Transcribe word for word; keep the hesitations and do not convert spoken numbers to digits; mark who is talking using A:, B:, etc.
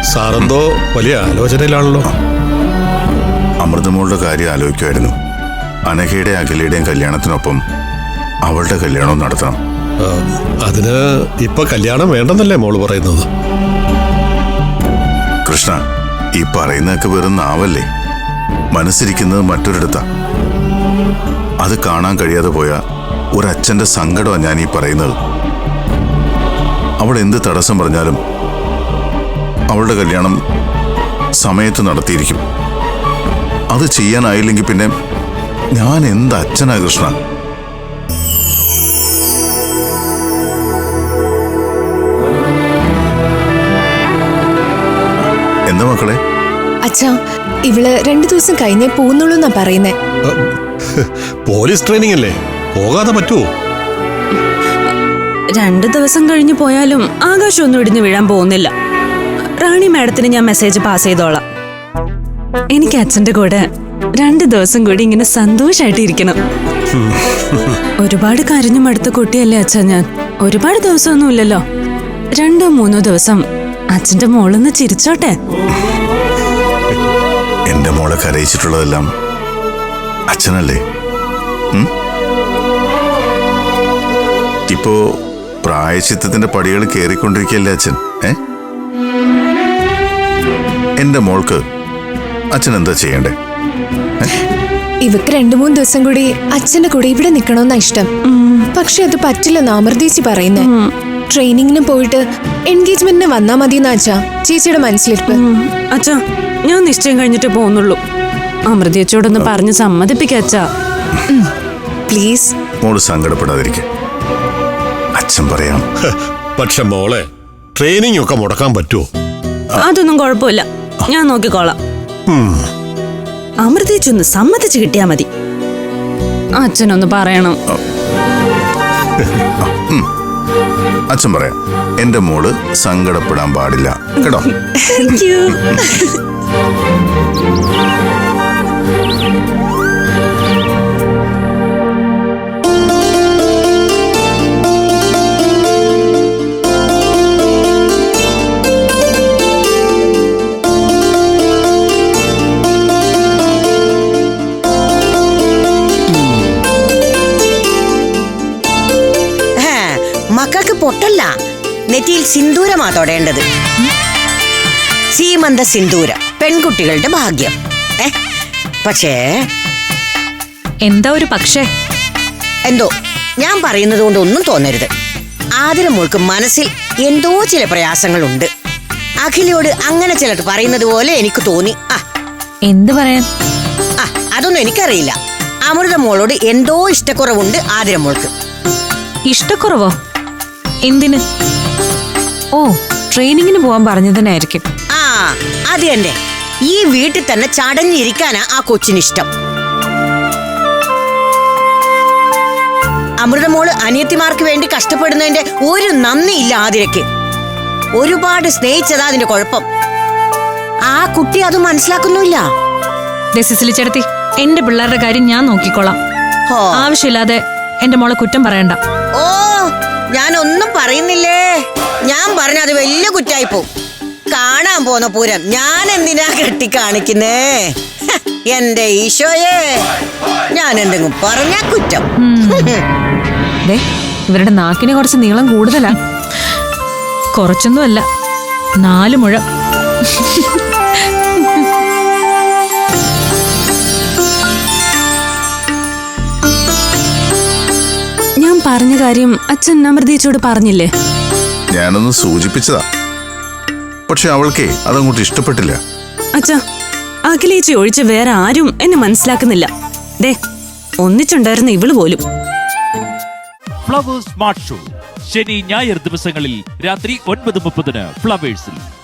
A: സാറെന്തോ വലിയ ആലോചനയിലാണല്ലോ.
B: അമൃതമോളുടെ കാര്യം ആലോചിക്കുമായിരുന്നു. അനഘയുടെ അഖിലയുടെയും കല്യാണത്തിനൊപ്പം അവളുടെ കല്യാണവും നടത്തണം.
A: അതിന് ഇപ്പൊ കല്യാണം വേണ്ടെന്നല്ലേ മോള് പറയുന്നത്?
B: കൃഷ്ണ, ഈ പറയുന്നതൊക്കെ വെറും നാവല്ലേ. മനസ്സിരിക്കുന്നത് മറ്റൊരിടത്താ. അത് കാണാൻ കഴിയാതെ പോയ ഒരച്ഛന്റെ സങ്കടമാണ് ഞാൻ ഈ പറയുന്നത്. അവൾ എന്ത് തടസ്സം പറഞ്ഞാലും അവളുടെ കല്യാണം സമയത്ത് നടത്തിയിരിക്കും. അത് ചെയ്യാനായില്ലെങ്കിൽ പിന്നെ ഞാൻ എന്ത് അച്ഛനാ കൃഷ്ണ? എന്താ മക്കളെ?
C: അച്ഛാ, ഇവള് രണ്ടു ദിവസം കഴിഞ്ഞേ പോകുന്നുള്ളൂ എന്നാ പറയുന്നേ.
A: പോലീസ് ട്രെയിനിങ് അല്ലേ, പോകാതെ പറ്റുമോ?
D: രണ്ടു ദിവസം കഴിഞ്ഞു പോയാലും ആകാശം ഒന്നും ഇടിഞ്ഞു വീഴാൻ പോകുന്നില്ല. റാണി മാഡത്തിന് ഞാൻ മെസ്സേജ് പാസ് ചെയ്തോളാം. എനിക്ക് അച്ഛന്റെ കൂടെ രണ്ടു ദിവസം കൂടി ഇങ്ങനെ സന്തോഷായിട്ട് ഇരിക്കണം. ഒരുപാട് കരഞ്ഞു മടുത്ത കുട്ടിയല്ലേ അച്ഛാ ഞാൻ. ഒരുപാട് ദിവസമൊന്നും ഇല്ലല്ലോ, രണ്ടോ മൂന്നോ ദിവസം അച്ഛന്റെ മോളൊന്ന് ചിരിച്ചോട്ടെ.
B: എന്റെ മോളെ കരയിച്ചിട്ടുള്ളതെല്ലാം അച്ഛനല്ലേ? ഇപ്പോ പ്രായശ്ചിത്തത്തിന്റെ പടികൾ കയറിക്കൊണ്ടിരിക്കുകയല്ലേ അച്ഛൻ? ഏ എന്റെ മോൾക്ക് അച്ഛൻ എന്താ ചെയ്യണ്ടേ?
C: ഇവക്ക് രണ്ടു മൂന്ന് ദിവസം കൂടി അച്ഛന്റെ കൂടെ ഇവിടെ നിക്കണമെന്നാ ഇഷ്ടം. പക്ഷെ അത് പറ്റില്ലെന്ന് അമൃതേച്ചി പറയുന്നേ. ട്രെയിനിങ്ങിന് പോയിട്ട് എൻഗേജ്മെന്റിന് വന്നാ മതിയെന്നാ അച്ഛാ ചേച്ചിയുടെ മനസ്സിലിരിപ്പ്.
D: അച്ഛാ, ഞാൻ നിശ്ചയം കഴിഞ്ഞിട്ട് പോകുന്നുള്ളൂ. അമൃതേച്ചിയോടൊന്ന് പറഞ്ഞ് സമ്മതിപ്പിക്ക അച്ഛാ,
C: പ്ലീസ്.
B: മോള് സങ്കടപ്പെടാതിരിക്കെ, അച്ഛൻ പറയാം.
A: പക്ഷെ മോളെ, ട്രെയിനിങ് ഒക്കെ മുടക്കാൻ പറ്റുമോ?
D: അതൊന്നും കുഴപ്പമില്ല, ഞാൻ നോക്കിക്കോളാം. അമൃതേച്ചി ഒന്ന് സമ്മതിച്ച് കിട്ടിയാ മതി. അച്ഛനൊന്ന് പറയണം.
B: അച്ഛൻ പറയാം, എന്റെ മോള് സങ്കടപ്പെടാൻ പാടില്ല കേട്ടോ.
E: മക്കൾക്ക് പൊട്ടല്ല, നെറ്റിയിൽ സിന്ദൂരമാ തൊടേണ്ടത്. സീമന്ത സിന്ദൂര പെൺകുട്ടികളുടെ ഭാഗ്യം. ഏ പക്ഷേ
D: എന്താ ഒരു പക്ഷേ?
E: എന്തോ ഞാൻ പറയുന്നത് കൊണ്ട് ഒന്നും തോന്നരുത്. ആതിരമോൾക്ക് മനസ്സിൽ എന്തോ ചില പ്രയാസങ്ങളുണ്ട്. അഖിലയോട് അങ്ങനെ ചിലർ പറയുന്നത് പോലെ എനിക്ക് തോന്നി. ആ
D: എന്ത് പറയാൻ?
E: ആ അതൊന്നും എനിക്കറിയില്ല. അമൃതമോളോട് എന്തോ ഇഷ്ടക്കുറവുണ്ട് ആതിരമോൾക്ക്.
D: ഇഷ്ടക്കുറവോ? എന്തിന്? ഓ, ട്രെയിനിങ്ങിന് പോവാൻ പറഞ്ഞതിനായിരിക്കും.
E: ആ അത് തന്നെ. ഈ വീട്ടിൽ തന്നെ ചടഞ്ഞിരിക്കാനാ ആ കൊച്ചിനിഷ്ടം. അമൃതമോള് അനിയത്തിമാർക്ക് വേണ്ടി കഷ്ടപ്പെടുന്നതിന്റെ ഒരു നന്ദിയില്ല ആതിരയ്ക്ക്. ഒരുപാട് സ്നേഹിച്ചതാ അതിന്റെ കുഴപ്പം. ആ കുട്ടി അത് മനസ്സിലാക്കുന്നില്ല.
D: ചേട്ടത്തി, എന്റെ പിള്ളേരുടെ കാര്യം ഞാൻ നോക്കിക്കോളാം. ആവശ്യമില്ലാതെ എന്റെ മോളെ കുറ്റം പറയണ്ട.
E: ഓ, ഞാൻ ഒന്നും പറയുന്നില്ലേ. ഞാൻ പറഞ്ഞ അത് വലിയ കുറ്റായിപ്പോ. കാണാൻ പോന്ന പൂരം ഞാൻ എന്തിനാ കെട്ടി കാണിക്കുന്നേ? എന്റെ ഈശോയെ, ഞാൻ എന്തെങ്കിലും പറഞ്ഞ കുറ്റം.
D: ഇവരുടെ നാക്കിന് കുറച്ച് നീളം കൂടുതലാ. കുറച്ചൊന്നുമല്ല, നാല് മുഴം. ഞാൻ പറഞ്ഞ കാര്യം അച്ഛൻ അമൃതേച്ചിയോട് പറഞ്ഞില്ലേ?
B: ഞാനൊന്ന് സൂചിപ്പിച്ചതാ, പക്ഷെ അവൾക്കേ അതങ്ങോട്ട് ഇഷ്ടപ്പെട്ടില്ല.
D: അച്ഛാ, അഖിലേച്ചി ഒഴിച്ച് വേറെ ആരും എന്നെ മനസ്സിലാക്കുന്നില്ല. ദേ, ഒന്നിച്ചുണ്ടായിരുന്ന ഇവള് പോലും.
F: ഫ്ലവേഴ്സ് സ്മാർട്ട് ഷോ ശനി ഞായർ ദിവസങ്ങളിൽ രാത്രി ഒൻപത് മുപ്പതിന് ഫ്ലവേഴ്സിൽ.